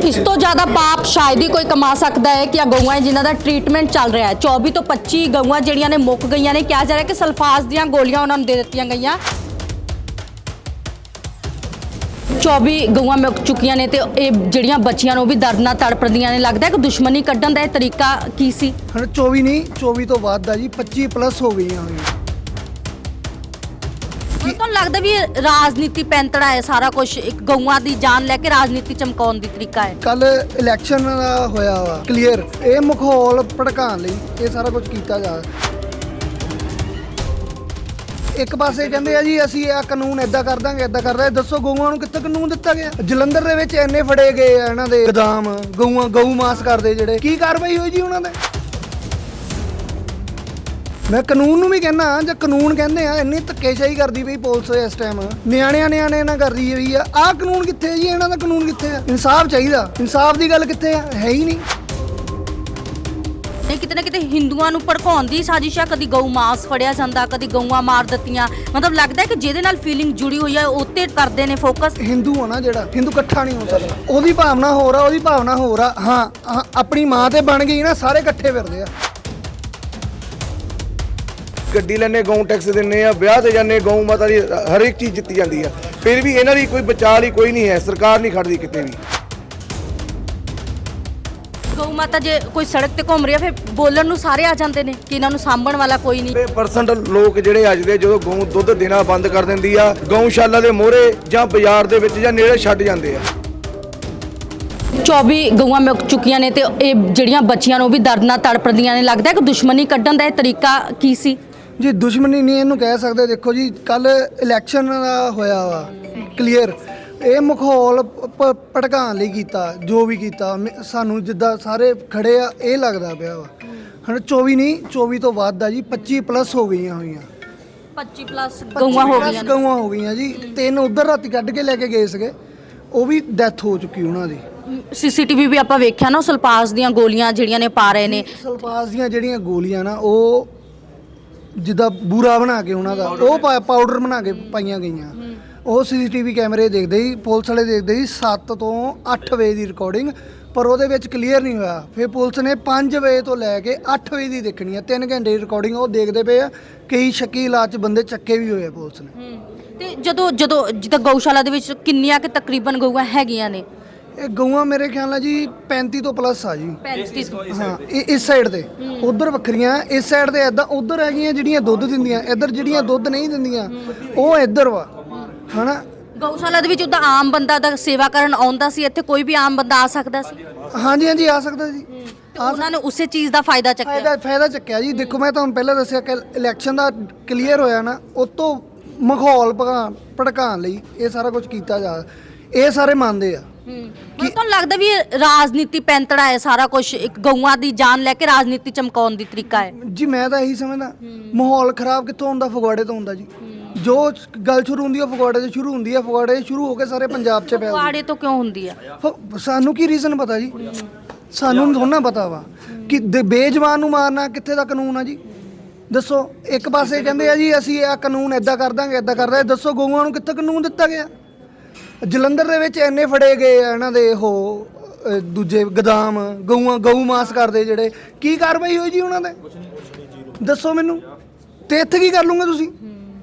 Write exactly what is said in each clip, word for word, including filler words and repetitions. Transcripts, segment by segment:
इस तो ज़्यादा पाप शायद ही कोई कमा सकता है कि गਊਆਂ जिन्हों का ट्रीटमेंट चल रहा है। चौबीस तो पच्चीस गਊਆਂ ਜਿਹੜੀਆਂ ने मुक गई ने, कहा जा रहा है कि सल्फास ਦੀਆਂ ਗੋਲੀਆਂ ਉਹਨਾਂ ਨੂੰ ਦੇ ਦਿੱਤੀਆਂ ਗਈਆਂ। चौबीस गਊਆਂ ਮੁੱਕ ਚੁੱਕੀਆਂ ਨੇ ਤੇ ਇਹ ਜਿਹੜੀਆਂ ਬੱਚੀਆਂ ਨੂੰ ਵੀ ਦਰਦ ਨਾਲ ਤੜਪਦੀਆਂ ਨੇ। ਲੱਗਦਾ ਹੈ ਕਿ ਦੁਸ਼ਮਣੀ ਕੱਢਣ ਦਾ ਇਹ ਤਰੀਕਾ ਕੀ ਸੀ? ਹੁਣ चौबीस ਨਹੀਂ चौबीस ਤੋਂ ਬਾਅਦ ਦਾ ਜੀ पच्चीस ਪਲੱਸ ਹੋ ਗਈਆਂ ਹੋਈਆਂ। ਤੁਹਾਨੂੰ ਲੱਗਦਾ ਵੀ ਇਹ ਰਾਜਨੀਤੀ ਪੈਂਤੜਾ ਹੈ ਸਾਰਾ ਕੁਝ, ਇੱਕ ਗਊਆਂ ਦੀ ਜਾਨ ਲੈ ਕੇ ਰਾਜਨੀਤੀ ਚਮਕਾਉਣ ਦੀ ਤਰੀਕਾ ਹੈ? ਕੱਲ ਇਲੈਕਸ਼ਨ ਦਾ ਹੋਇਆ ਵਾ ਕਲੀਅਰ, ਇਹ ਮਾਹੌਲ ਭੜਕਾਉਣ ਲਈ ਇਹ ਸਾਰਾ ਕੁਝ ਕੀਤਾ ਜਾ ਰਿਹਾ। ਇੱਕ ਪਾਸੇ ਕਹਿੰਦੇ ਆ ਜੀ ਅਸੀਂ ਇਹ ਕਾਨੂੰਨ ਇਦਾਂ ਕਰ ਦਾਂਗੇ ਇਦਾਂ ਕਰ ਦਾਂਗੇ, ਦੱਸੋ ਗਊਆਂ ਨੂੰ ਕਿੱਥੇ ਕਾਨੂੰਨ ਦਿੱਤਾ ਗਿਆ? ਜਲੰਧਰ ਦੇ ਵਿੱਚ ਇੰਨੇ ਫੜੇ ਗਏ ਆ ਇਹਨਾਂ ਦੇ ਗਦਾਮ, ਗਊਆਂ ਗਊ ਮਾਸ ਕਰਦੇ ਜਿਹੜੇ, ਕੀ ਕਾਰਵਾਈ ਹੋਈ ਜੀ ਉਹਨਾਂ ਦੇ? ਮੈਂ ਕਾਨੂੰਨ ਨੂੰ ਵੀ ਕਹਿੰਦਾ, ਜੇ ਕਾਨੂੰਨ ਕਹਿੰਦੇ ਆ ਇੰਨੀ ਧੱਕੇਸ਼ਾਹੀ ਕਰਦੀ ਪਈ ਪੁਲਿਸ ਇਸ ਟਾਈਮ, ਨਿਆਣਿਆਂ ਨਿਆਣੇ ਨਾਲ ਕਰਦੀ ਹੋਈ ਆ, ਆਹ ਕਾਨੂੰਨ ਕਿੱਥੇ ਹੈ ਜੀ? ਇਹਨਾਂ ਦਾ ਕਾਨੂੰਨ ਕਿੱਥੇ ਆ? ਇਨਸਾਫ ਚਾਹੀਦਾ, ਇਨਸਾਫ ਦੀ ਗੱਲ ਕਿੱਥੇ ਆ? ਹੈ ਹੀ ਨਹੀਂ। ਨਹੀਂ, ਕਿਤੇ ਨਾ ਕਿਤੇ ਹਿੰਦੂਆਂ ਨੂੰ ਭੜਕਾਉਣ ਦੀ ਸਾਜ਼ਿਸ਼ ਆ। ਕਦੀ ਗਊ ਮਾਸ ਫੜਿਆ ਜਾਂਦਾ, ਕਦੀ ਗਊਆਂ ਮਾਰ ਦਿੱਤੀਆਂ। ਮਤਲਬ ਲੱਗਦਾ ਹੈ ਕਿ ਜਿਹਦੇ ਨਾਲ ਫੀਲਿੰਗ ਜੁੜੀ ਹੋਈ ਹੈ ਉੱਤੇ ਕਰਦੇ ਨੇ ਫੋਕਸ। ਹਿੰਦੂ ਆ ਨਾ ਜਿਹੜਾ, ਹਿੰਦੂ ਇਕੱਠਾ ਨਹੀਂ ਹੋ ਸਕਦਾ। ਉਹਦੀ ਭਾਵਨਾ ਹੋਰ ਆ, ਉਹਦੀ ਭਾਵਨਾ ਹੋਰ ਆ। ਹਾਂ ਹਾਂ, ਆਪਣੀ ਮਾਂ ਤੇ ਬਣ ਗਈ ਨਾ, ਸਾਰੇ ਇਕੱਠੇ ਫਿਰਦੇ ਆ। ਗੱਡੀ ਲੈਣੇ, ਗਊ ਟੈਕਸ ਦਿੰਨੇ ਆ, ਵਿਆਹ ਤੇ ਜਾਂਦੇ, ਗਊ ਮਾਤਾ ਦੀ ਹਰ ਇੱਕ ਚੀਜ਼ ਜਿੱਤੀ ਜਾਂਦੀ ਆ। ਫਿਰ ਵੀ ਇਹਨਾਂ ਦੀ ਕੋਈ ਬਚਾਅ ਲਈ ਕੋਈ ਨਹੀਂ ਹੈ, ਸਰਕਾਰ ਨਹੀਂ ਖੜਦੀ ਕਿਤੇ ਵੀ। ਗਊ ਮਾਤਾ ਜੇ ਕੋਈ ਸੜਕ ਤੇ ਘੁੰਮ ਰਹੀ ਆ, ਫਿਰ ਬੋਲਣ ਨੂੰ ਸਾਰੇ ਆ ਜਾਂਦੇ ਨੇ ਕਿ ਇਹਨਾਂ ਨੂੰ ਸਾਂਭਣ ਵਾਲਾ ਕੋਈ ਨਹੀਂ। ਵੀਹ ਪਰਸੈਂਟ ਲੋਕ ਜਿਹੜੇ ਅੱਜ ਦੇ ਜਦੋਂ ਗਊ ਦੁੱਧ ਦੇਣਾ ਬੰਦ ਕਰ ਦਿੰਦੀ ਆ, ਗਊਸ਼ਾਲਾ ਦੇ ਮੋਹਰੇ ਜਾਂ ਬਾਜ਼ਾਰ ਦੇ ਵਿੱਚ ਜਾਂ ਨੇੜੇ ਛੱਡ ਜਾਂਦੇ ਆ। ਚੌਬੀਸ ਗਊਆਂ ਮੁੱਕ ਚੁੱਕੀਆਂ ਨੇ ਤੇ ਇਹ ਜਿਹੜੀਆਂ ਬੱਚੀਆਂ ਨੂੰ ਵੀ ਦਰਦ ਨਾਲ ਤੜਪਦੀਆਂ ਨੇ। ਲੱਗਦਾ ਹੈ ਕਿ ਦੁਸ਼ਮਣੀ ਕੱਢਣ ਦਾ ਇਹ ਤਰੀਕਾ ਕੀ ਸੀ? ਜੀ ਦੁਸ਼ਮਣੀ ਨਹੀਂ ਇਹਨੂੰ ਕਹਿ ਸਕਦੇ। ਦੇਖੋ ਜੀ, ਕੱਲ ਇਲੈਕਸ਼ਨ ਦਾ ਹੋਇਆ ਵਾ ਕਲੀਅਰ, ਇਹ ਮਾਹੌਲ ਭ- ਭੜਕਾਉਣ ਲਈ ਕੀਤਾ, ਜੋ ਵੀ ਕੀਤਾ। ਮ- ਸਾਨੂੰ ਜਿੱਦਾਂ ਸਾਰੇ ਖੜੇ ਆ ਇਹ ਲੱਗਦਾ ਪਿਆ ਵਾ। ਹੁਣ ਚੌਬੀਸ ਨਹੀਂ ਚੌਬੀਸ ਤੋਂ ਬਾਅਦ ਦਾ ਜੀ ਪੱਚੀ ਪਲੱਸ ਹੋ ਗਈਆਂ ਹੋਈਆਂ। ਪੱਚੀ ਪਲੱਸ ਗਊਆਂ ਹੋ ਗਈਆਂ ਨੇ। ਗਊਆਂ ਹੋ ਗਈਆਂ ਜੀ। ਤਿੰਨ ਉਧਰ ਰਾਤੀ ਕੱਢ ਕੇ ਲੈ ਕੇ ਗਏ ਸੀਗੇ, ਉਹ ਵੀ ਡੈਥ ਹੋ ਚੁੱਕੀ ਉਹਨਾਂ ਦੀ। ਸੀਸੀਟੀਵੀ ਵੀ ਆਪਾਂ ਵੇਖਿਆ ਨਾ, ਸਲਪਾਸ ਦੀਆਂ ਗੋਲੀਆਂ ਜਿਹੜੀਆਂ ਨੇ ਪਾ ਰਹੇ ਨੇ। ਸਲਫਾਸ ਦੀਆਂ ਜਿਹੜੀਆਂ ਗੋਲੀਆਂ ਨਾ, ਉਹ ਜਿੱਦਾਂ ਬੂਰਾ ਬਣਾ ਕੇ ਉਹਨਾਂ ਦਾ ਉਹ ਪਾ- ਪਾਊਡਰ ਬਣਾ ਕੇ ਪਾਈਆਂ ਗਈਆਂ। ਉਹ ਸੀਸੀਟੀਵੀ ਕੈਮਰੇ ਦੇਖਦੇ ਹੀ, ਪੁਲਿਸ ਵਾਲੇ ਦੇਖਦੇ ਹੀ ਸੱਤ ਤੋਂ ਅੱਠ ਵਜੇ ਦੀ ਰਿਕਾਰਡਿੰਗ, ਪਰ ਉਹਦੇ ਵਿੱਚ ਕਲੀਅਰ ਨਹੀਂ ਹੋਇਆ। ਫਿਰ ਪੁਲਿਸ ਨੇ ਪੰਜ ਵਜੇ ਤੋਂ ਲੈ ਕੇ ਅੱਠ ਵਜੇ ਦੀ ਦੇਖਣੀ ਆ, ਤਿੰਨ ਘੰਟੇ ਦੀ ਰਿਕਾਰਡਿੰਗ ਉਹ ਦੇਖਦੇ ਪਏ ਆ। ਕਈ ਸ਼ੱਕੀ ਇਲਾਜ 'ਚ ਬੰਦੇ ਚੱਕੇ ਵੀ ਹੋਏ ਆ ਪੁਲਿਸ ਨੇ। ਤੇ ਜਦੋਂ ਜਦੋਂ ਜਿੱਦਾਂ ਗਊਸ਼ਾਲਾ ਦੇ ਵਿੱਚ ਕਿੰਨੀਆਂ ਕਿ ਤਕਰੀਬਨ ਗਊਆਂ ਹੈਗੀਆਂ ਨੇ? ਇਹ ਗਊਆਂ ਮੇਰੇ ਖਿਆਲ ਨਾਲ ਜੀ ਪੈਂਤੀ ਤੋਂ ਪਲੱਸ ਆ ਜੀ। ਪੈਂਤੀ। ਹਾਂ, ਇਹ ਇਸ ਸਾਈਡ ਤੇ, ਉਧਰ ਵੱਖਰੀਆਂ, ਇਸ ਸਾਈਡ ਤੇ ਐਦਾਂ ਉਧਰ ਹੈਗੀਆਂ ਜਿਹੜੀਆਂ ਦੁੱਧ ਦਿੰਦੀਆਂ, ਇੱਧਰ ਜਿਹੜੀਆਂ ਦੁੱਧ ਨਹੀਂ ਦਿੰਦੀਆਂ ਉਹ ਇੱਧਰ ਵਾ, ਹਨਾ। ਗਊਸ਼ਾਲਾ ਦੇ ਵਿੱਚ ਉਹਦਾ ਆਮ ਬੰਦਾ ਦਾ ਸੇਵਾ ਕਰਨ ਆਉਂਦਾ ਸੀ, ਇੱਥੇ ਕੋਈ ਵੀ ਆਮ ਬੰਦਾ ਆ ਸਕਦਾ ਸੀ? ਹਾਂਜੀ ਹਾਂਜੀ, ਆ ਸਕਦਾ ਜੀ। ਉਹਨਾਂ ਨੇ ਉਸੇ ਚੀਜ਼ ਦਾ ਫਾਇਦਾ ਚੱਕਿਆ। ਫਾਇਦਾ ਫਾਇਦਾ ਚੱਕਿਆ ਜੀ। ਦੇਖੋ, ਮੈਂ ਤੁਹਾਨੂੰ ਪਹਿਲਾਂ ਦੱਸਿਆ ਕਿ ਇਲੈਕਸ਼ਨ ਦਾ ਕਲੀਅਰ ਹੋਇਆ ਨਾ, ਉਹ ਤੋਂ ਮਾਹੌਲ ਭਗਾ ਭੜਕਾਉਣ ਲਈ ਇਹ ਸਾਰਾ ਕੁਝ ਕੀਤਾ ਜਾ, ਇਹ ਸਾਰੇ ਮੰਨਦੇ ਆ। ਕੀ ਤੁਹਾਨੂੰ ਲੱਗਦਾ ਵੀ ਇਹ ਰਾਜਨੀਤੀ ਪੈਂਤੜਾ ਹੈ ਸਾਰਾ ਕੁਝ, ਇੱਕ ਗਊਆਂ ਦੀ ਜਾਨ ਲੈ ਕੇ ਰਾਜਨੀਤੀ ਚਮਕਾਉਣ ਦੀ ਤਰੀਕਾ ਹੈ? ਜੀ ਮੈਂ ਤਾਂ ਇਹੀ ਸਮਝਦਾ, ਮਾਹੌਲ ਖਰਾਬ ਕਿੱਥੋਂ ਹੁੰਦਾ? ਫਗਵਾੜੇ ਤੋਂ ਹੁੰਦਾ ਜੀ। ਜੋ ਗੱਲ ਸ਼ੁਰੂ ਹੁੰਦੀ ਹੈ ਫਗਵਾੜੇ ਤੋਂ ਸ਼ੁਰੂ ਹੁੰਦੀ ਹੈ, ਫਗਵਾੜੇ ਸ਼ੁਰੂ ਹੋ ਕੇ ਸਾਰੇ ਪੰਜਾਬ 'ਚ ਫੈਲਦੀ। ਫਗਵਾੜੇ ਤੋਂ ਕਿਉਂ ਹੁੰਦੀ ਆ? ਫ- ਸਾਨੂੰ ਕੀ ਰੀਜ਼ਨ ਪਤਾ ਜੀ? ਸਾਨੂੰ ਥੋੜਾ ਪਤਾ ਵਾ ਕਿ ਦੇ- ਬੇਜਵਾਨ ਨੂੰ ਮਾਰਨਾ ਕਿੱਥੇ ਦਾ ਕਾਨੂੰਨ ਆ ਜੀ? ਦੱਸੋ। ਇੱਕ ਪਾਸੇ ਕਹਿੰਦੇ ਆ ਜੀ ਅਸੀਂ ਇਹ ਕਾਨੂੰਨ ਇਦਾਂ ਕਰ ਦਾਂਗੇ ਇਦਾਂ ਕਰ ਦਾਂਗੇ, ਦੱਸੋ ਗਊਆਂ ਨੂੰ ਕਿੱਥੇ ਕਾਨੂੰਨ ਦਿੱਤਾ ਗਿਆ? ਜਲੰਧਰ ਦੇ ਵਿੱਚ ਇੰਨੇ ਫੜੇ ਗਏ ਆ ਇਹਨਾਂ ਦੇ ਉਹ ਅ, ਦੂਜੇ ਗਦਾਮ, ਗਊਆਂ ਗਊ ਮਾਸ ਕਰਦੇ ਜਿਹੜੇ, ਕੀ ਕਾਰਵਾਈ ਹੋਈ ਜੀ ਉਹਨਾਂ ਦੇ? ਦੱਸੋ ਮੈਨੂੰ। ਤੇ ਇੱਥੇ ਕੀ ਕਰ ਲੂੰਗੇ ਤੁਸੀਂ?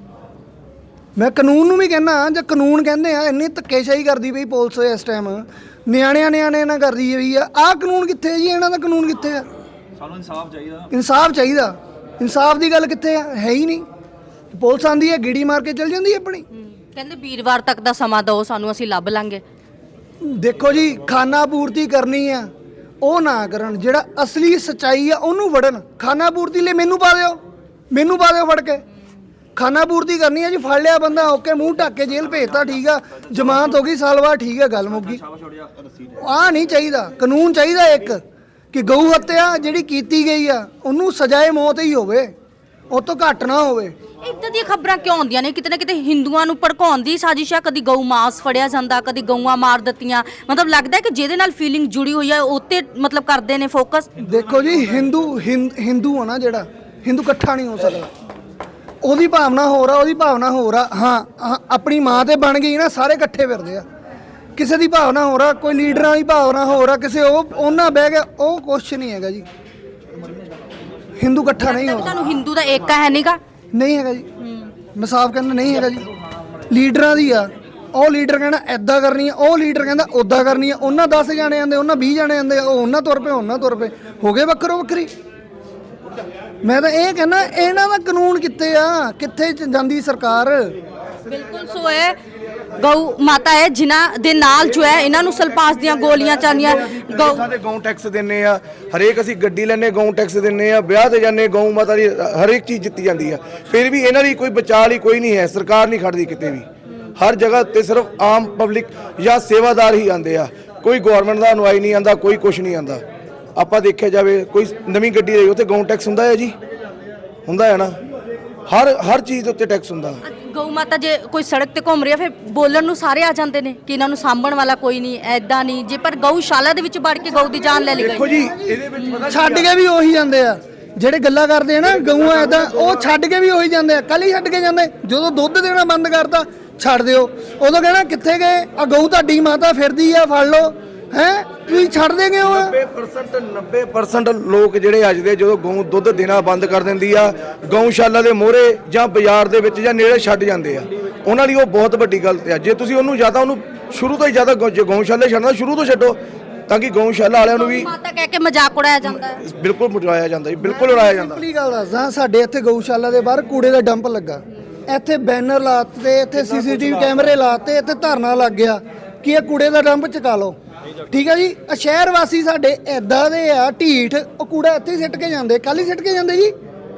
ਮੈਂ ਕਾਨੂੰਨ ਨੂੰ ਵੀ ਕਹਿੰਦਾ, ਜੇ ਕਾਨੂੰਨ ਕਹਿੰਦੇ ਆ ਇੰਨੀ ਧੱਕੇਸ਼ਾਹੀ ਕਰਦੀ ਪਈ ਪੁਲਿਸ ਇਸ ਟਾਈਮ, ਨਿਆਣਿਆਂ ਨਿਆਣੇ ਨਾਲ ਕਰਦੀ ਹੋਈ ਆ, ਆਹ ਕਾਨੂੰਨ ਕਿੱਥੇ ਹੈ ਜੀ? ਇਹਨਾਂ ਦਾ ਕਾਨੂੰਨ ਕਿੱਥੇ ਆ? ਸਾਨੂੰ ਇਨਸਾਫ ਚਾਹੀਦਾ। ਇਨਸਾਫ ਚਾਹੀਦਾ, ਇਨਸਾਫ ਦੀ ਗੱਲ ਕਿੱਥੇ ਆ? ਹੈ ਹੀ ਨਹੀਂ। ਪੁਲਿਸ ਆਂਦੀ ਹੈ ਗੀੜੀ ਮਾਰ ਕੇ ਚਲ ਜਾਂਦੀ ਹੈ ਆਪਣੀ। ਕਹਿੰਦੇ ਵੀਰਵਾਰ ਤੱਕ ਦਾ ਸਮਾਂ ਦਿਓ ਸਾਨੂੰ, ਅਸੀਂ ਲੱਭ ਲਾਂਗੇ। ਦੇਖੋ ਜੀ, ਖਾਨਾ ਪੂਰਤੀ ਕਰਨੀ ਆ ਉਹ ਨਾ ਕਰਨ, ਜਿਹੜਾ ਅਸਲੀ ਸੱਚਾਈ ਆ ਉਹਨੂੰ ਵੜਨ। ਖਾਨਾ ਪੂਰਤੀ ਲਈ ਮੈਨੂੰ ਪਾ ਦਿਓ, ਮੈਨੂੰ ਪਾ ਦਿਓ ਫੜ ਕੇ। ਖਾਨਾ ਪੂਰਤੀ ਕਰਨੀ ਆ ਜੀ, ਫੜ ਲਿਆ ਬੰਦਾ, ਓਕੇ, ਮੂੰਹ ਢੱਕ ਕੇ ਜੇਲ੍ਹ ਭੇਜਤਾ, ਠੀਕ ਆ, ਜ਼ਮਾਨਤ ਹੋ ਗਈ, ਸਾਲ ਬਾਅਦ, ਠੀਕ ਆ, ਗੱਲ ਮੁੱਕ ਗਈ। ਆਹ ਨਹੀਂ ਚਾਹੀਦਾ। ਕਾਨੂੰਨ ਚਾਹੀਦਾ ਇੱਕ ਕਿ ਗਊ ਹੱਤਿਆ ਜਿਹੜੀ ਕੀਤੀ ਗਈ ਆ ਉਹਨੂੰ ਸਜ਼ਾਏ ਮੌਤ ਹੀ ਹੋਵੇ, ਉਹ ਤੋਂ ਘੱਟ ਨਾ ਹੋਵੇ। ਇੱਦਾਂ ਦੀਆਂ ਖਬਰਾਂ ਕਿਉਂ ਆਉਂਦੀਆਂ ਨੇ? ਕਿਤੇ ਨਾ ਕਿਤੇ ਹਿੰਦੂਆਂ ਨੂੰ ਭੜਕਾਉਣ ਦੀ ਸਾਜ਼ਿਸ਼ ਆ। ਕਦੀ ਗਊ ਮਾਸ ਫੜਿਆ ਜਾਂਦਾ, ਕਦੀ ਗਊਆਂ ਮਾਰ ਦਿੱਤੀਆਂ। ਮਤਲਬ ਲੱਗਦਾ ਹੈ ਕਿ ਜਿਹਦੇ ਨਾਲ ਫੀਲਿੰਗ ਜੁੜੀ ਹੋਈ ਹੈ ਉੱਤੇ ਮਤਲਬ ਕਰਦੇ ਨੇ ਫੋਕਸ। ਦੇਖੋ ਜੀ, ਹਿੰਦੂ ਹਿੰਦ- ਹਿੰਦੂ ਆ ਨਾ ਜਿਹੜਾ, ਹਿੰਦੂ ਇਕੱਠਾ ਨਹੀਂ ਹੋ ਸਕਦਾ। ਉਹਦੀ ਭਾਵਨਾ ਹੋਰ ਆ, ਉਹਦੀ ਭਾਵਨਾ ਹੋਰ ਆ। ਹਾਂ ਹਾਂ, ਆਪਣੀ ਮਾਂ ਤੇ ਬਣ ਗਈ ਨਾ, ਸਾਰੇ ਇਕੱਠੇ ਫਿਰਦੇ ਆ। ਕਿਸੇ ਦੀ ਭਾਵਨਾ ਹੋ ਰਿਹਾ, ਕੋਈ ਲੀਡਰਾਂ ਦੀ ਭਾਵਨਾ ਹੋ ਰਿਹਾ, ਕਿਸੇ ਉਹ ਉਹਨਾਂ ਬਹਿ ਗਿਆ, ਉਹ ਕੁਛ ਨਹੀਂ ਹੈਗਾ ਜੀ। ਹਿੰਦੂ ਇਕੱਠਾ ਨਹੀਂ ਹੋ ਤੁਹਾਨੂੰ ਹਿੰਦੂ ਦਾ ਏਕਾ ਹੈ ਨਹੀਂਗਾ। ਨਹੀਂ ਹੈਗਾ ਜੀ, ਮੈਂ ਸਾਫ਼ ਕਹਿੰਦਾ ਨਹੀਂ ਹੈਗਾ ਜੀ। ਲੀਡਰਾਂ ਦੀ ਆ, ਉਹ ਲੀਡਰ ਕਹਿੰਦਾ ਐਦਾਂ ਕਰਨੀ ਆ, ਉਹ ਲੀਡਰ ਕਹਿੰਦਾ ਉੱਦਾਂ ਕਰਨੀ ਆ, ਉਹਨਾਂ ਦਸ ਜਾਣੇ ਆਂਦੇ, ਉਹਨਾਂ ਵੀਹ ਜਾਣੇ ਆਂਦੇ, ਉਹ ਉਹਨਾਂ ਤੁਰ ਪਏ, ਉਹਨਾਂ ਤੁਰ ਪਏ, ਹੋ ਗਏ ਵੱਖਰੋ ਵੱਖਰੀ। ਮੈਂ ਤਾਂ ਇਹ ਕਹਿੰਦਾ ਇਹਨਾਂ ਦਾ ਕਾਨੂੰਨ ਕਿੱਥੇ ਆ, ਕਿੱਥੇ ਜਾਂਦੀ ਸਰਕਾਰ। ਬਿਲਕੁਲ ਸੋ ਹੈ ਗਊ ਮਾਤਾ ਹੈ ਜਿਨ੍ਹਾਂ ਦੇ ਨਾਲ ਜੋ ਹੈ ਇਹਨਾਂ ਨੂੰ ਸਲਪਾਸ ਦੀਆਂ ਗੋਲੀਆਂ ਚਾਹੀਆਂ। ਗਊ ਸਾਡੇ ਗਊ ਟੈਕਸ ਦਿੰਨੇ ਆ, ਹਰੇਕ ਅਸੀਂ ਗੱਡੀ ਲੈਨੇ ਗਊ ਟੈਕਸ ਦਿੰਨੇ ਆ, ਵਿਆਹ ਤੇ ਜਾਂਦੇ ਗਊ ਮਾਤਾ ਦੀ ਹਰੇਕ ਚੀਜ਼ ਜਿੱਤੀ ਜਾਂਦੀ ਆ। ਫਿਰ ਵੀ ਇਹਨਾਂ ਦੀ ਕੋਈ ਬਚਾਅ ਲਈ ਕੋਈ ਨਹੀਂ ਹੈ, ਸਰਕਾਰ ਨਹੀਂ ਖੜਦੀ ਕਿਤੇ ਵੀ। ਹਰ ਜਗ੍ਹਾ ਤੇ ਸਿਰਫ ਆਮ ਪਬਲਿਕ ਜਾਂ ਸੇਵਾਦਾਰ ਹੀ ਆਉਂਦੇ ਆ, ਕੋਈ ਗਵਰਨਮੈਂਟ ਦਾ ਅਨੁਆਈ ਨਹੀਂ ਆਂਦਾ, ਕੋਈ ਕੁਝ ਨਹੀਂ ਆਂਦਾ। ਆਪਾਂ ਦੇਖਿਆ ਜਾਵੇ ਕੋਈ ਨਵੀਂ ਗੱਡੀ ਲਈ ਉੱਥੇ ਗਊ ਟੈਕਸ ਹੁੰਦਾ ਹੈ ਜੀ, ਹੁੰਦਾ ਹੈ ਨਾ, ਹਰ ਹਰ ਚੀਜ਼ ਦੇ ਉੱਤੇ ਟੈਕਸ ਹੁੰਦਾ। ਗਊ ਮਾਤਾ ਜੇ ਕੋਈ ਸੜਕ ਤੇ ਘੁੰਮ ਰਹੀ ਹੈ ਫਿਰ ਬੋਲਣ ਨੂੰ ਸਾਰੇ ਆ ਜਾਂਦੇ ਨੇ ਕਿ ਇਹਨਾਂ ਨੂੰ ਸਾਂਭਣ ਵਾਲਾ ਕੋਈ ਨਹੀਂ, ਐਦਾਂ ਨਹੀਂ। ਜੇ ਪਰ ਗਊਸ਼ਾਲਾ ਦੇ ਵਿੱਚ ਵੜ ਕੇ ਗਊ ਦੀ ਜਾਨ ਲੈ ਲਈ ਦੇਖੋ ਗਈ। ਜੀ ਇਹਦੇ ਵਿੱਚ ਪਤਾ ਛੱਡ ਕੇ ਵੀ ਉਹੀ ਜਾਂਦੇ ਆ ਜਿਹੜੇ ਗੱਲਾਂ ਕਰਦੇ ਆ ਨਾ ਗਊਆਂ ਐਦਾਂ, ਉਹ ਛੱਡ ਕੇ ਵੀ ਉਹੀ ਜਾਂਦੇ ਆ। ਕੱਲ ਹੀ ਛੱਡ ਕੇ ਜਾਂਦੇ, ਜਦੋਂ ਦੁੱਧ ਦੇਣਾ ਬੰਦ ਕਰਤਾ ਛੱਡ ਦਿਓ, ਉਦੋਂ ਕਹਿਣਾ ਕਿੱਥੇ ਗਏ ਆ, ਗਊ ਤੁਹਾਡੀ ਮਾਤਾ ਫਿਰਦੀ ਆ, ਫੜ ਲਓ। ਹੈ ਤੁਸੀਂ ਛੱਡ ਦੇ ਗਏ ਹੋ। ਨੱਬੇ ਪਰਸੈਂਟ ਨੱਬੇ ਪਰਸੈਂਟ ਲੋਕ ਜਿਹੜੇ ਅੱਜ ਦੇ ਜਦੋਂ ਗਊ ਦੁੱਧ ਦੇਣਾ ਬੰਦ ਕਰ ਦਿੰਦੀ ਆ, ਗਊਸ਼ਾਲਾ ਦੇ ਮੋਹਰੇ ਜਾਂ ਬਾਜ਼ਾਰ ਦੇ ਵਿੱਚ ਜਾਂ ਨੇੜੇ ਛੱਡ ਜਾਂਦੇ ਆ, ਉਹਨਾਂ ਲਈ ਉਹ ਬਹੁਤ ਵੱਡੀ ਗਲਤ ਆ। ਜੇ ਤੁਸੀਂ ਉਹਨੂੰ ਜ਼ਿਆਦਾ ਉਹਨੂੰ ਸ਼ੁਰੂ ਤੋਂ ਹੀ ਜ਼ਿਆਦਾ ਗਊਸ਼ਾਲੇ ਛੱਡਣਾ ਸ਼ੁਰੂ ਤੋਂ ਛੱਡੋ, ਤਾਂ ਕਿ ਗਊਸ਼ਾਲਾ ਵਾਲਿਆਂ ਨੂੰ ਵੀ ਮਾਤਾ ਕਹਿ ਕੇ ਮਜ਼ਾਕ ਉਡਾਇਆ ਜਾਂਦਾ ਹੈ। ਬਿਲਕੁਲ ਉਡਾਇਆ ਜਾਂਦਾ ਜੀ, ਬਿਲਕੁਲ ਉਡਾਇਆ ਜਾਂਦਾ। ਸਿੰਪਲੀ ਗੱਲ ਦੱਸਦਾ, ਸਾਡੇ ਇੱਥੇ ਗਊਸ਼ਾਲਾ ਦੇ ਬਾਹਰ ਕੂੜੇ ਦਾ ਡੰਪ ਲੱਗਾ, ਇੱਥੇ ਬੈਨਰ ਲਾਤੇ, ਇੱਥੇ ਸੀਸੀਟੀਵੀ ਕੈਮਰੇ ਲਾਤੇ, ਇੱਥੇ ਧਰਨਾ ਲੱਗ ਗਿਆ ਕਿ ਇਹ ਕੂੜੇ ਦਾ ਡੰਪ ਚੁਕਾ ਲਓ। ਠੀਕ ਹੈ ਜੀ, ਆ ਸ਼ਹਿਰ ਵਾਸੀ ਸਾਡੇ ਐਦਾਂ ਦੇ ਆ ਢੀਠ, ਉਹ ਕੂੜਾ ਇੱਥੇ ਹੀ ਸਿੱਟ ਕੇ ਜਾਂਦੇ, ਕੱਲ ਹੀ ਸਿੱਟ ਕੇ ਜਾਂਦੇ ਜੀ।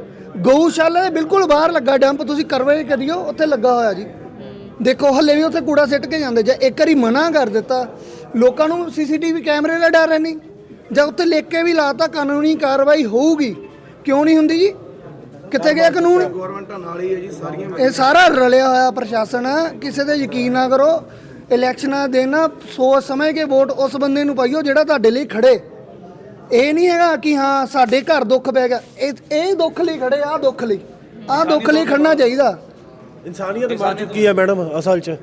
ਗਊਸ਼ਾਲਾ ਦੇ ਬਿਲਕੁਲ ਬਾਹਰ ਲੱਗਾ ਡੰਪ, ਤੁਸੀਂ ਕਰਵੇ ਕਰਿਓ, ਉੱਥੇ ਲੱਗਾ ਹੋਇਆ ਜੀ। ਦੇਖੋ ਹੱਲੇ ਵੀ ਉੱਥੇ ਕੂੜਾ ਸਿੱਟ ਕੇ ਜਾਂਦੇ। ਜੇ ਇੱਕ ਵਾਰੀ ਮਨਾ ਕਰ ਦਿੱਤਾ, ਲੋਕਾਂ ਨੂੰ ਸੀਸੀਟੀਵੀ ਕੈਮਰੇ ਦਾ ਡਰ ਹੈ ਨਹੀਂ, ਜਾਂ ਉੱਥੇ ਲਿਖ ਕੇ ਵੀ ਲਾਤਾ ਕਾਨੂੰਨੀ ਕਾਰਵਾਈ ਹੋਊਗੀ, ਕਿਉਂ ਨਹੀਂ ਹੁੰਦੀ ਜੀ? ਕਿੱਥੇ ਗਿਆ ਕਾਨੂੰਨ? ਗਵਰਨਮੈਂਟਾਂ ਨਾਲ ਹੀ ਹੈ ਜੀ ਸਾਰੀਆਂ। ਇਹ ਸਾਰਾ ਰਲਿਆ ਹੋਇਆ ਪ੍ਰਸ਼ਾਸਨ ਆ, ਕਿਸੇ ਤੇ ਯਕੀਨ ਨਾ ਕਰੋ। ਇਲੈਕਸ਼ਨਾਂ ਦੇ ਨਾ ਸੋਚ ਸਮਝ ਕੇ ਵੋਟ ਉਸ ਬੰਦੇ ਨੂੰ ਪਾਈਓ ਜਿਹੜਾ ਤੁਹਾਡੇ ਲਈ ਖੜੇ। ਇਹ ਨਹੀਂ ਹੈਗਾ ਕਿ ਹਾਂ ਸਾਡੇ ਘਰ ਦੁੱਖ ਪੈ ਗਿਆ, ਇਹ ਇਹ ਦੁੱਖ ਲਈ ਖੜੇ, ਆਹ ਦੁੱਖ ਲਈ, ਆਹ ਦੁੱਖ ਲਈ ਖੜਨਾ ਚਾਹੀਦਾ। ਇਨਸਾਨੀਅਤ ਮਰ ਚੁੱਕੀ ਹੈ ਮੈਡਮ ਅਸਲ 'ਚ।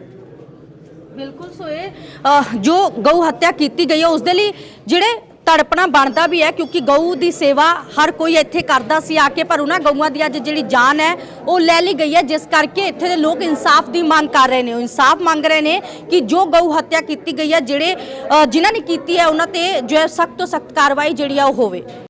ਬਿਲਕੁਲ ਸੋ ਇਹ ਅਹ, ਜੋ ਗਊ ਹੱਤਿਆ ਕੀਤੀ ਗਈ ਹੈ ਉਸ ਦੇ ਲਈ ਜਿਹੜੇ ਤੜਪਣਾ ਬਣਦਾ ਵੀ ਹੈ, ਕਿਉਂਕਿ ਗਊ ਦੀ ਸੇਵਾ ਹਰ ਕੋਈ ਇੱਥੇ ਕਰਦਾ ਸੀ ਆ ਕੇ, ਪਰ ਉਹਨਾਂ ਗਊਆਂ ਦੀ ਅੱਜ ਜਿਹੜੀ ਜਾਨ ਹੈ ਉਹ ਲੈ ਲਈ ਗਈ ਹੈ, ਜਿਸ ਕਰਕੇ ਇੱਥੇ ਦੇ ਲੋਕ ਇਨਸਾਫ ਦੀ ਮੰਗ ਕਰ ਰਹੇ ਨੇ। ਉਹ ਇਨਸਾਫ ਮੰਗ ਰਹੇ ਨੇ ਕਿ ਜੋ ਗਊ ਹੱਤਿਆ ਕੀਤੀ ਗਈ ਹੈ, ਜਿਹੜੇ ਅਹ, ਜਿਨ੍ਹਾਂ ਨੇ ਕੀਤੀ ਹੈ ਉਹਨਾਂ ਤੇ ਜੋ ਹੈ ਸਖਤ ਤੋਂ ਸਖਤ ਕਾਰਵਾਈ ਜਿਹੜੀ ਆ ਉਹ ਹੋਵੇ।